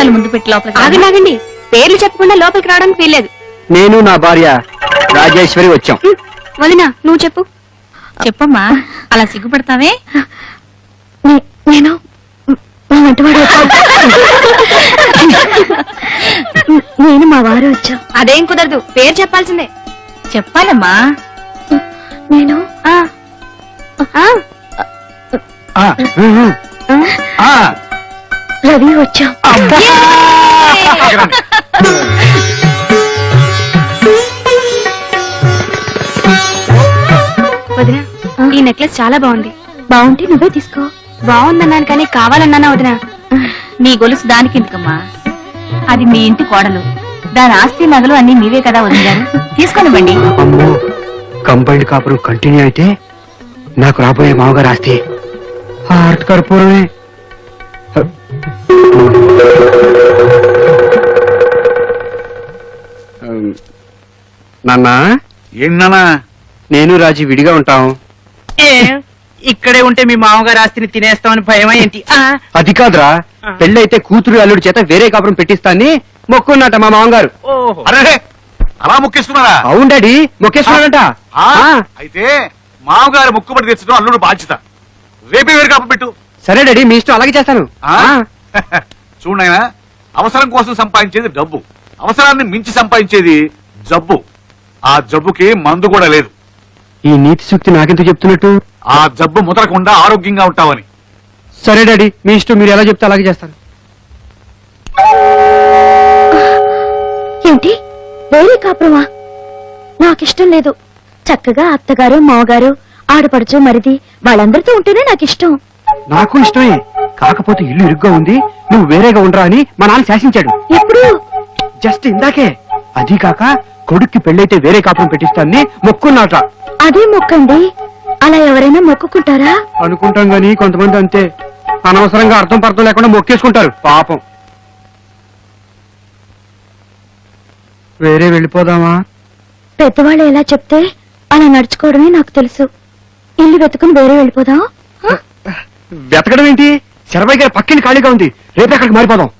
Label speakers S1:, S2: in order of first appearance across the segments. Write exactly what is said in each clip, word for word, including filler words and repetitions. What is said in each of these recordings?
S1: కాలు ముందు పెట్టి లోపలికి
S2: ఆగండి ఆగండి, పేర్లు చెప్పకుండా లోపలికి రావడానికి వీల్లేదు.
S3: నేను నా భార్య రాజేశ్వరి వచ్చాం.
S2: వదినా నువ్వు చెప్పు.
S1: చెప్పమ్మా, అలా సిగ్గుపడతావే?
S2: నేను మా వంటవాడు నేను మా వారు వచ్చాం. అదేం కుదరదు, పేరు చెప్పాల్సిందే.
S1: చెప్పాలమ్మా.
S2: నేను ఆ రవి వచ్చాం. వదినా, ఈ నెక్లెస్ చాలా బాగుంది. బాగుంటే నువ్వే తీసుకో. బాగుందన్నాను కానీ కావాలన్నానా వదినా?
S1: నీ గొలుసు దానికి ఎందుకమ్మా? అది మీ ఇంటి కోడలు, దాని ఆస్తి నగలు అన్ని మీవే కదా వదిలేరు, తీసుకొనివ్వండి.
S3: అమ్మో, కంబైండ్ కాపురం కంటిన్యూ అయితే నాకు రాబోయే మామగారు ఆస్తి హార్ట్ కర్పూరమే. నాన్న,
S4: ఏంటన్నా?
S3: నేను రాజీ విడిగా ఉంటాం.
S5: ఇక్కడే ఉంటే మీ మామగారు ఆస్తిని తినేస్తామని భయమా ఏంటి?
S3: అది కాదురా, పెళ్ళైతే కూతురు అల్లుడి చేత వేరే కాపురం పెట్టిస్తాన్ని మొక్కున్నట మా మామగారు.
S4: అరే, అలా మొక్కేసుకున్నారా?
S3: అవును డాడీ, మొక్కేస్తున్నాడంట.
S4: అయితే మామగారు ముక్కుబడి తెచ్చడం అల్లుడు బాధ్యత. రేపే వేరు కాపు పెట్టు.
S3: సరే డాడీ, మీ ఇష్టం, అలాగే చేస్తాను.
S4: చూడైనా, అవసరం కోసం సంపాదించేది డబ్బు, అవసరాన్ని మించి సంపాదించేది జబ్బు. ఆ జబ్బుకి మందు కూడా లేదు.
S3: ఈ నీతి సూక్తి నాకెందుకు చెప్తున్నట్టు?
S4: ఆ జబ్బు ముదరకుండా ఆరోగ్యంగా ఉంటావని.
S3: సరే డాడీ, మీ ఇష్టం, మీరు ఎలా చెప్తే అలాగే చేస్తాను.
S2: ఏంటి వేరే కాపురమా? నాకిష్టం లేదు. చక్కగా అత్తగారు మామగారు ఆడపడుచు మరిది వాళ్ళందరితో ఉంటేనే నాకిష్టం.
S3: నాకు ఇష్టమే, కాకపోతే ఇల్లు ఇరుగ్గా ఉంది, నువ్వు వేరేగా ఉండరా అని మా నాన్న శాసించాడు.
S2: ఎప్పుడు?
S3: జస్ట్ ఇందాకే. అదీ కాక కొడుక్కి పెళ్ళైతే వేరే కాపురం పెట్టిస్తాన్ని మొక్కున్నాట.
S2: అదే మొక్కండి, అలా ఎవరైనా మొక్కుకుంటారా?
S3: అనుకుంటాం గాని కొంతమంది అంతే, అనవసరంగా అర్థం పర్థం లేకుండా మొక్కేసుకుంటారు పాపం. వేరే వెళ్ళిపోదామా?
S2: పెద్దవాళ్ళు ఎలా చెప్తే అలా నడుచుకోవడమే నాకు తెలుసు. ఇల్లు వెతుకుని వేరే వెళ్ళిపోదాం.
S3: వెతకడం ఏంటి? శరభయ్య గారి పక్కిని ఖాళీగా ఉంది, రేపు అక్కడికి మారిపోదాం.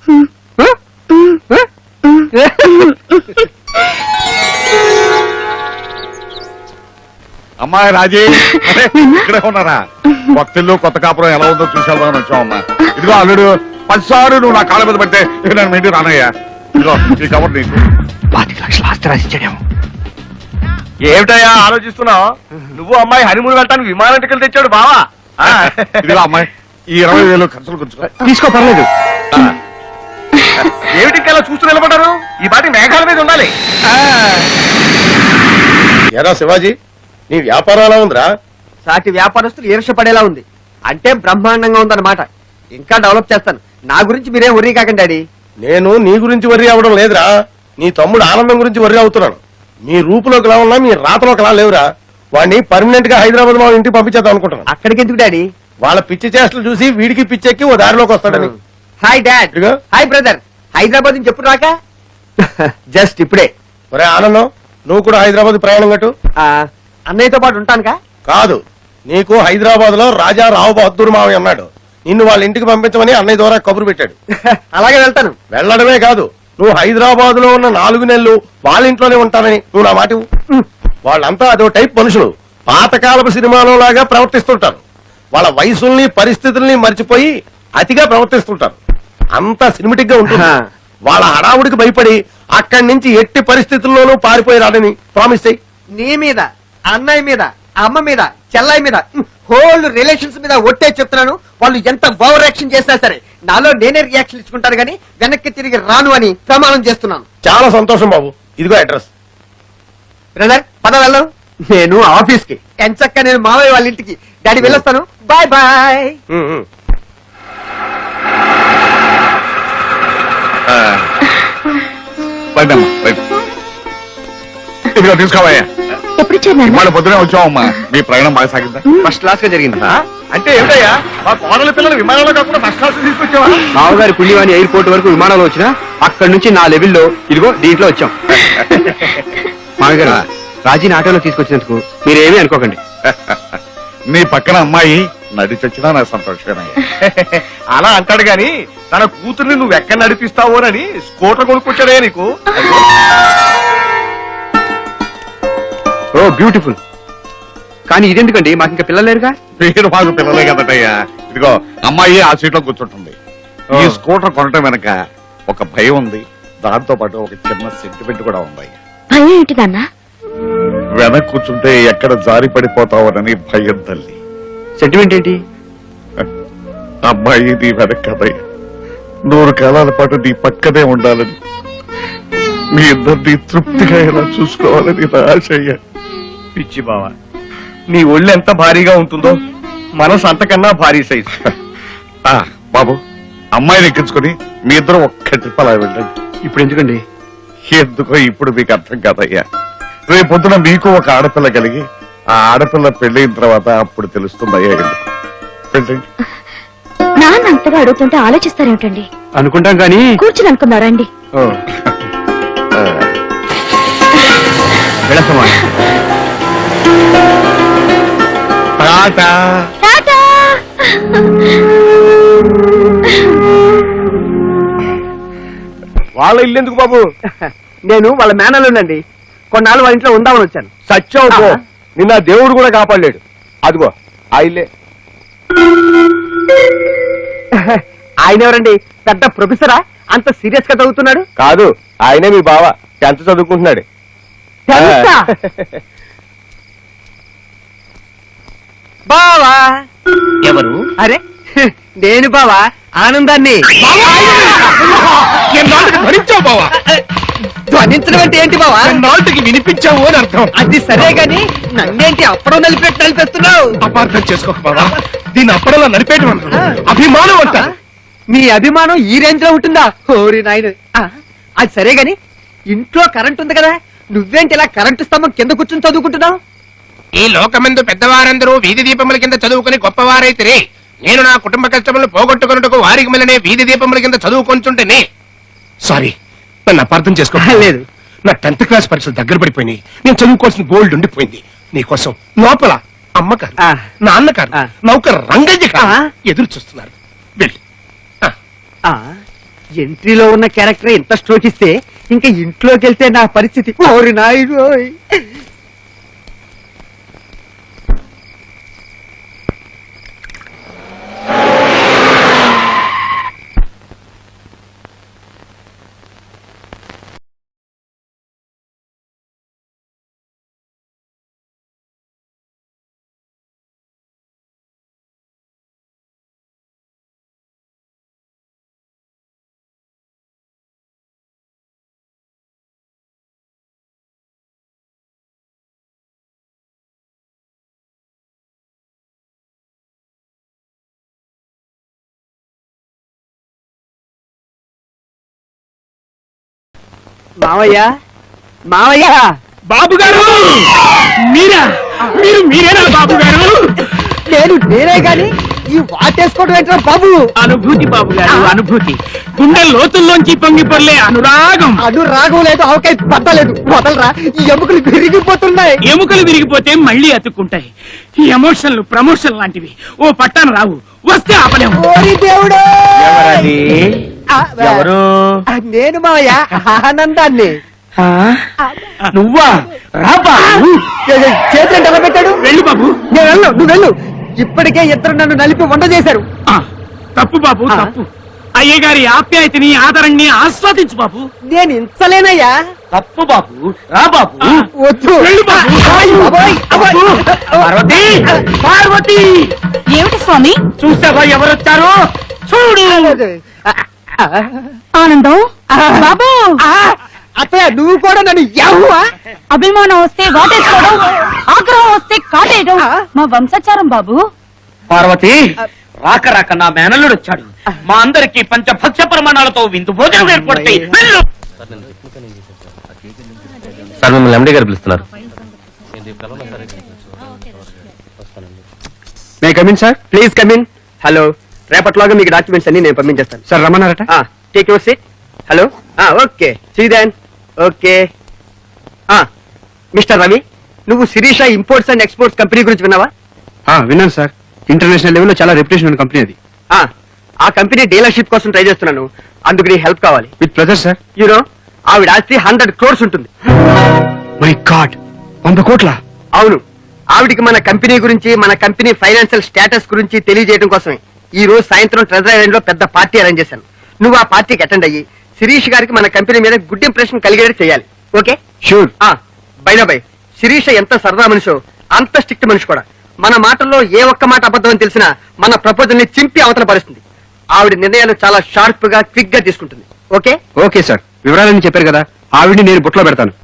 S4: అమ్మాయి రాజీ, ఇక్కడే ఉన్నారా? కొత్తిల్లు కొత్త కాపురం ఎలా ఉందో చూసేద్దామని వచ్చామమ్మా. ఇదిగో అల్లుడు, పదిసార్లు నువ్వు నా కాళ్ళ మీద పడితే ఇక నేను ఇంటికి రానయ్యా. ఇదిగో ఈ కబర్ నీకు.
S3: పాతిక లక్షల ఆస్తి రాసిచ్చాడేమో.
S6: ఏమిటయ్యా ఆలోచిస్తున్నావు? నువ్వు అమ్మాయి హనీమూన్ వెళ్ళటానికి విమానం టికెట్ తెచ్చాడు బావా.
S4: ఇదిగో అమ్మాయి, ఈ ఇరవై వేలు ఖర్చులు కూర్చుకో.
S3: తీసుకో, పర్లేదు.
S6: ఏమిటి ఇలా చూస్తూ నిలబడ్డారు? ఈ పాటి మేఘాల మీద ఉండాలి.
S7: ఎరా శివాజీ, నీ వ్యాపారం ఎలా ఉందిరా?
S5: సాటి వ్యాపారస్తులు ఈర్షపడేలా ఉంది. అంటే బ్రహ్మాండంగా ఉందన్నమాట. ఇంకా డెవలప్ చేస్తాను. నా గురించి మీరేం వర్రీ కాకండి డాడీ.
S7: నేను నీ గురించి వర్రీ అవ్వడం లేదురా, నీ తమ్ముడు ఆనందం గురించి వర్రీ అవుతున్నాను. మీ రూపులోకి ఎలా ఉన్నా మీ రాతలోకి ఎలా లేవురా. వాడిని పర్మనెంట్ గా హైదరాబాద్ మా ఇంటికి పంపించేద్దాం అనుకుంటున్నాను.
S5: అక్కడికి ఎందుకు డాడీ?
S7: వాళ్ళ పిచ్చి చేష్టలు చూసి వీడికి పిచ్చెక్కి ఓ దారిలోకి వస్తాడని.
S5: Hi dad. Hi brother. Hyderabad నుంచి ఎప్పుడు రాక? జస్ట్ ఇప్పుడే.
S7: ఒరే ఆనందం, నువ్వు కూడా హైదరాబాద్ ప్రయాణం కట్టు.
S5: అన్నయ్యతో పాటు ఉంటానుగా?
S7: కాదు, నీకు హైదరాబాద్ లో రాజా రావు బహదూర్ మావి అన్నాడు. నిన్ను వాళ్ళ ఇంటికి పంపించమని అన్నయ్య ద్వారా కబురు పెట్టాడు.
S5: అలాగే వెళ్తాను.
S7: వెళ్ళడమే కాదు, నువ్వు హైదరాబాద్ లో ఉన్న నాలుగు నెలలు వాళ్ళ ఇంట్లోనే ఉంటానని నువ్వు నా మాట ఇవ్వు. వాళ్ళంతా అదో టైప్ మనుషులు. పాతకాలపు సినిమాలో లాగా ప్రవర్తిస్తుంటారు. వాళ్ళ వయసుల్ని పరిస్థితుల్ని మర్చిపోయి అతిగా ప్రవర్తిస్తుంటారు. అంతా సినిమాటిక్ గా ఉంటుంది. వాళ్ళ హడావుడికి భయపడి అక్కడి నుంచి ఎట్టి పరిస్థితుల్లోనూ పారిపోయి రాడని ప్రామిస్ చెయ్యి.
S5: నీ మీద, అన్నయ్య మీద, అమ్మ మీద, చెల్లయ్య మీద, హోల్ రిలేషన్స్ మీద ఒట్టే చెప్తున్నాను. వాళ్ళు ఎంత ఓవర్ యాక్షన్ చేసినా సరే నాలో నేనే రియాక్షన్ ఇచ్చుకుంటాను గానీ వెనక్కి తిరిగి రాను అని ప్రమాణం చేస్తున్నాను.
S7: చాలా సంతోషం బాబు, ఇదిగో అడ్రస్.
S5: బ్రదర్ పద వెళ్దాం. నేను ఆఫీస్ కి, ఎంచక్క నేను మావయ్య వాళ్ళ ఇంటికి. డాడీ వెళ్ళొస్తాను. Bye bye.
S4: ఇదిగో తీసుకోవయ్యా.
S2: ఎప్పుడు చేరినా?
S4: వాళ్ళ పొద్దునే వచ్చావమ్మా. మీ ప్రయాణం బాగా సాగిందా?
S3: ఫస్ట్ క్లాస్ గా జరిగిందా?
S6: అంటే ఏమిటయ్యా, మా కోడల పిల్లలు విమానంలో కాకుండా బస్ క్లాస్ తీసుకొచ్చావా?
S3: మామగారి పుణ్యవాణి ఎయిర్పోర్ట్ వరకు విమానంలో వచ్చినా అక్కడి నుంచి నా లెవెల్లో ఇదిగో దీంట్లో వచ్చాం. మామగారు, రాజీని ఆటోలో తీసుకొచ్చినందుకు మీరేమీ అనుకోకండి.
S4: నీ పక్కన అమ్మాయి నడి చచ్చినా నా సంతోషమేనయ్యా.
S6: అలా అంటాడు గాని తన కూతుర్ని నువ్వు ఎక్కడ నడిపిస్తావోనని స్కూటర్ కొనుక్కొచ్చాడే నీకు.
S3: Oh beautiful. కానీ ఇదెందుకండి, మాకు ఇంకా పిల్లలు లేరుగా.
S4: మీరు మాకు పిల్లలే కదటయ్యా. ఇదిగో అమ్మాయి ఆ సీట్ లో కూర్చుంటుంది. ఈ
S3: ఓ.
S4: స్కూటర్ కొనటం వెనక ఒక భయం ఉంది, దాంతో పాటు ఒక చిన్న సెంటిమెంట్ కూడా ఉంది.
S2: భయం ఏంటి నాన్న?
S4: వెనక కూర్చుంటే ఎక్కడ జారి పడిపోతావోనని భయం తల్లి.
S3: సెంటిమెంట్ ఏంటి?
S4: అమ్మాయి నీ వెనక కదయ్య, నూరు కాలాల పాటు నీ పక్కనే ఉండాలని, మీ ఇద్దరిని తృప్తిగా ఎలా చూసుకోవాలని నా ఆశ అయ్యా.
S6: పిచ్చి బావా, నీ ఒళ్ళు ఎంత భారీగా ఉంటుందో మనసు అంతకన్నా భారీ సైజు.
S4: ఆ, బాబు అమ్మాయిని ఎక్కించుకుని మీ ఇద్దరు ఒక్క ట్రిప్ అలా వెళ్ళండి.
S3: ఇప్పుడు ఎందుకండి?
S4: ఎందుకో ఇప్పుడు మీకు అర్థం కాదయ్యా. రేపొద్దున మీకు ఒక ఆడపిల్ల కలిగి ఆ ఆడపిల్ల పెళ్ళైన తర్వాత అప్పుడు తెలుస్తుందయ్యా ఎందుకు. వెళ్ళండి.
S2: నాన్న అంతగా అడుగుతుంటే ఆలోచిస్తారేమిటండి?
S3: అనుకుంటాం కానీ.
S2: కూర్చుని అనుకున్నారా అండి?
S3: ఓ. వెళతామా?
S4: టాటా.
S2: టాటా.
S6: వాళ్ళ ఇల్లు ఎందుకు బాబు?
S3: నేను వాళ్ళ మేనల్లుండండి. కొన్నాళ్ళు వాళ్ళ ఇంట్లో ఉందామని వచ్చాను.
S6: సత్యం పో, నిన్న దేవుడు కూడా కాపాడలేడు. అదిగో ఆ ఇల్లే.
S3: ఆయన ఎవరండి? పెద్ద ప్రొఫెసరా? అంత సీరియస్ గా చదువుతున్నాడు?
S6: కాదు, ఆయనే మీ బావ, టెన్త్ చదువుకుంటున్నాడు.
S3: తెలుసా? బావా.
S5: ఎవరు?
S3: అరే నేను బావా, ఆనందాన్ని.
S6: భరించావు బావా,
S5: ధ్వనించడం అంటే ఏంటి బావా?
S6: నాటికి వినిపించావు అని అర్థం.
S5: అది సరే గాని నన్నేంటి అప్పుడో నలిపెట్టి నలిపేస్తున్నావు?
S6: అపార్థం చేసుకోక బావా, దీన్ని అప్పడలా నడిపేయడం అంటారు, అభిమానం అంటారు.
S5: నీ అభిమానం ఈ రేంజ్ లో ఉంటుందా? ఓరి నాయన. అది సరే గాని ఇంట్లో కరెంట్ ఉంది కదా, నువ్వేంటి ఇలా కరెంటు స్తంభం కింద కూర్చుని చదువుకుంటున్నావు?
S8: ఈ లోకమందు పెద్దవారందరూ వీధి దీపముల కింద చదువుకుని గొప్పవారైతిరి. నేను నా కుటుంబ కష్టములు పోగొట్టుకున్నట్టుకు వారికి మిలనే వీధి దీపముల కింద చదువుకొంచుంటేనే. సారీ, నన్ను అపార్థం చేసుకో.
S3: లేదు.
S8: నా టెన్త్ క్లాస్ పరీక్షలు దగ్గర పడిపోయినాయి. నేను చదువుకోవాల్సిన గోల్డ్ ఉండిపోయింది. నీకోసం లోపల అమ్మకారు,
S3: ఆ.
S8: నాన్నకారు,
S3: ఆ.
S8: నౌకరు రంగయ్య గారు
S3: ఆ.
S8: ఎదురు చూస్తున్నారు. వెళ్ళి ఆ.
S5: ఎంట్రీలో ఉన్న క్యారెక్టర్ ఎంత స్ట్రోక్ ఇస్తే ఇంకా ఇంట్లోకి వెళ్తే నా పరిస్థితి ఓరి నాయుడు. మావయ్య, మావయ్య.
S8: బాబు గారు, మీరా? మీరు మీరేనా బాబు గారు?
S5: నేను నేనే గాని ఈ వాటేసుకోవడం ఏంట్రా బాబు?
S8: అనుభూతి బాబు గారు, అనుభూతి. గుండె లోతుల్లోంచి పొంగి పొర్లే అనురాగం.
S5: అను రాగం లేదు, అవకాయ పట్టలేదు. వదలరా, ఈ ఎముకలు విరిగిపోతున్నాయి.
S8: ఎముకలు విరిగిపోతే మళ్ళీ అతుక్కుంటాయి. ఈ ఎమోషన్లు ప్రమోషన్ లాంటివి ఓ పట్టాన రావు, వస్తే ఆపలేము.
S5: ఓరి దేవుడు.
S8: ఎవరది?
S5: ఆ,
S8: ఎవరు?
S5: ఆ, నేను మావయ్య, ఆనందాన్ని.
S8: నువ్వా? రాబా.
S5: చేతులు ఎలా పెట్టాడు?
S8: వెళ్ళు బాబు.
S5: నేను వెళ్ళు, నువ్వు వెళ్ళు. ఇప్పటికే ఇద్దరు నన్ను నలిపి వంట చేశారు.
S8: ఆ, తప్పు బాబు,
S5: ఆ.
S8: తప్పు. అయ్యగారి ఆప్యాయతని ఆదరణని ఆస్వాదించు బాబు.
S5: నేను ఇంచలేనయ్యా.
S8: తప్పు బాబు, రా బాబు.
S5: వద్దు.
S8: వెళ్ళు బాబు.
S5: అబ్బాయ్, అబ్బాయ్, అబ్బాయ్.
S8: పార్వతి, పార్వతి,
S1: ఏమిటి స్వామి?
S8: చూసావా ఎవరొచ్చారో? చూడు.
S1: ఆనందం బాబు.
S5: అత్తయ్య, నువ్వు కూడా నన్ను యాహువా?
S1: అభిమానం వస్తే వాటేసుకోవడం, ఆగ్రహం వస్తే కాటేయడం మా వంశాచారం బాబు.
S9: పార్వతి, రాక రాక నా మేనల్లుడు వచ్చాడు. మా అందరికి పంచభక్ష ప్రమాణాలతో విందు భోజనం ఏర్పడతాయి. వెళ్ళు.
S6: సార్, మిమ్మల్ని ఎండి గారు పిలుస్తున్నారు.
S3: May come in sir?
S5: Please come in. Hello, రేపట్లాగా మీకు డాక్యుమెంట్స్ అన్ని నేను పంపించేస్తాను.
S3: సార్ రమ్మన్నారట.
S5: Take your seat. Hello, okay, see then. Okay. Mister Ravi, నువ్వు Sirisha imports and exports company గురించి విన్నావా?
S3: ఆ, విన్నాను సార్. ఇంటర్నేషనల్ లెవెల్లో చాలా రెప్యుటేషన్ ఉన్న కంపెనీ అది. ఆ కంపెనీ డీలర్షిప్ కోసం ట్రై చేస్తున్నాను. అందుకు నీ హెల్ప్ కావాలి.
S6: With pressure sir.
S3: యూనో ఆవిడ ఆస్తి హండ్రెడ్ క్రోర్స్ ఉంటుంది.
S6: మై గాడ్, వంద కోట్ల?
S3: అవును. ఆవిడికి మన కంపెనీ గురించి, మన కంపెనీ ఫైనాన్షియల్ స్టేటస్ గురించి తెలియజేయడం కోసమే ఈ రోజు సాయంత్రం ట్రెజర్ ఐలాండ్ లో పెద్ద పార్టీ అరేంజ్ చేశాను. నువ్వు ఆ పార్టీకి అటెండ్ అయ్యి శిరీష్ గారికి మన కంపెనీ మీద గుడ్ ఇంప్రెషన్ కలిగేది చేయాలి. Okay?
S6: Sure.
S3: Bye bye Sirisha ఎంత సరదా మనిషో అంత స్ట్రిక్ట్ మనిషి కూడా. మన మాటల్లో ఏ ఒక్క మాట అబద్ధం అని తెలిసినా మన ప్రపోజల్ ని చింపి అవతల పరుస్తుంది. ఆవిడ నిర్ణయాలు చాలా షార్ప్ గా క్విక్ గా తీసుకుంటుంది. ఓకే?
S6: ఓకే సార్, వివరాలన్నీ చెప్పారు కదా, ఆవిడ్ని నేను బుట్లో పెడతాను.